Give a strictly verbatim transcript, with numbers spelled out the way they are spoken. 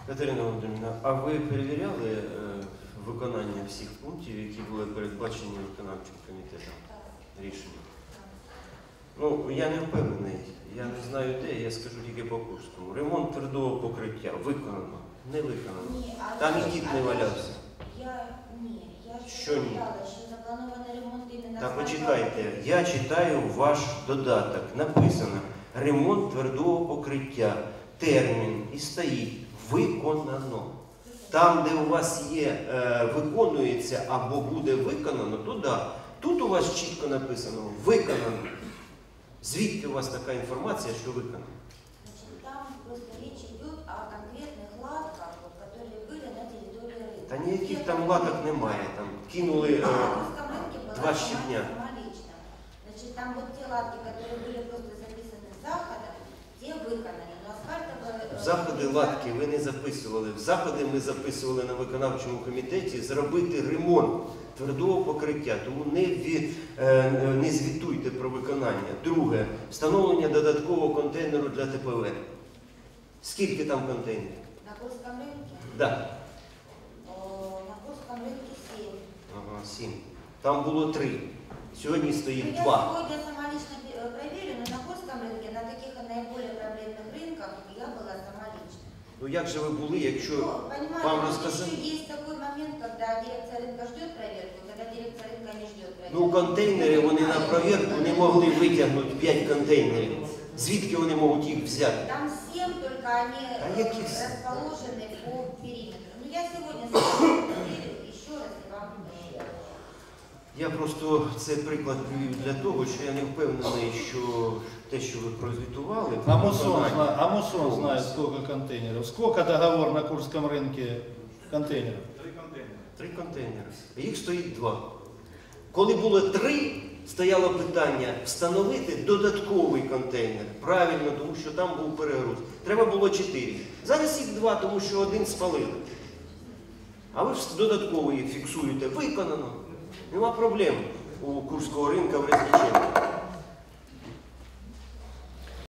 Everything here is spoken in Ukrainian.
Катерина Володимирівна, а ви перевіряли е, виконання всіх пунктів, які були передбачені виконавчим комітетом рішення? Ну, я не впевнений, я не знаю де, я скажу тільки по Курському. Ремонт твердого покриття виконано, не виконано. Ні, а Там я- і кіт а не я- валявся. Я, ні, я Що ж ні? сказала, що запланований ремонт іменно... Та з почекайте, я читаю ваш додаток, написано ремонт твердого покриття, термін і стоїть виконано. Там, де у вас є е, виконується або буде виконано, то да. Тут у вас чітко написано виконано. Звідки у вас така інформація, що виконано? Значит, там просто речь идет о конкретных латках, вот, которые были на территории рынка. Та ніяких там латок немає. Там кинули е, На русском рынке была два сама- щебня. самолично. Значит, там вот те латки, которые были просто записаны с захода, те выполнены. Но асфальтовые... В заходи латки ви не записували. В заходи ми записували на виконавчому комітеті зробити ремонт твердого покриття. Тому не, ві, е, не звітуйте про виконання. Друге, встановлення додаткового контейнеру для Те Пе Ве. Скільки там контейнерів? На Курском рынке? Да. О, на Курском рынке семь. Ага, сім. Там було три. Сьогодні Ну, стоїть я два. сегодня сама лично э, проверю, но на Курском рынке, на таких наиболее проблемных рынках я была сама лично. Ну як же ви були, якщо Ну, понимаете, вам вот розказали? еще есть такой момент, когда дирекция рынка ждет проверку, когда дирекция рынка не ждет проверку. Ну, контейнери вони на провірку не могли витягнути п'ять контейнерів. Звідки вони можуть їх взяти? Там семь, только они А э, яких семь? расположены по периметру. Ну, я сегодня сама проверю еще раз и вам э, Я просто цей приклад привів для того, що я не впевнений, що те, що ви прозвітували, А Мусон, виконання. зна- а Мусон знает, сколько контейнеров. Сколько договор на Курском рынке контейнеров? Три контейнери. Їх стоїть два. Коли було три, стояло питання встановити додатковий контейнер. Правильно, тому що там був перегруз. Треба було чотири. Зараз їх два, тому що один спалили. А ви ж додатково їх фіксуєте. Виконано. Нема проблем у Курського ринку в Резниченко.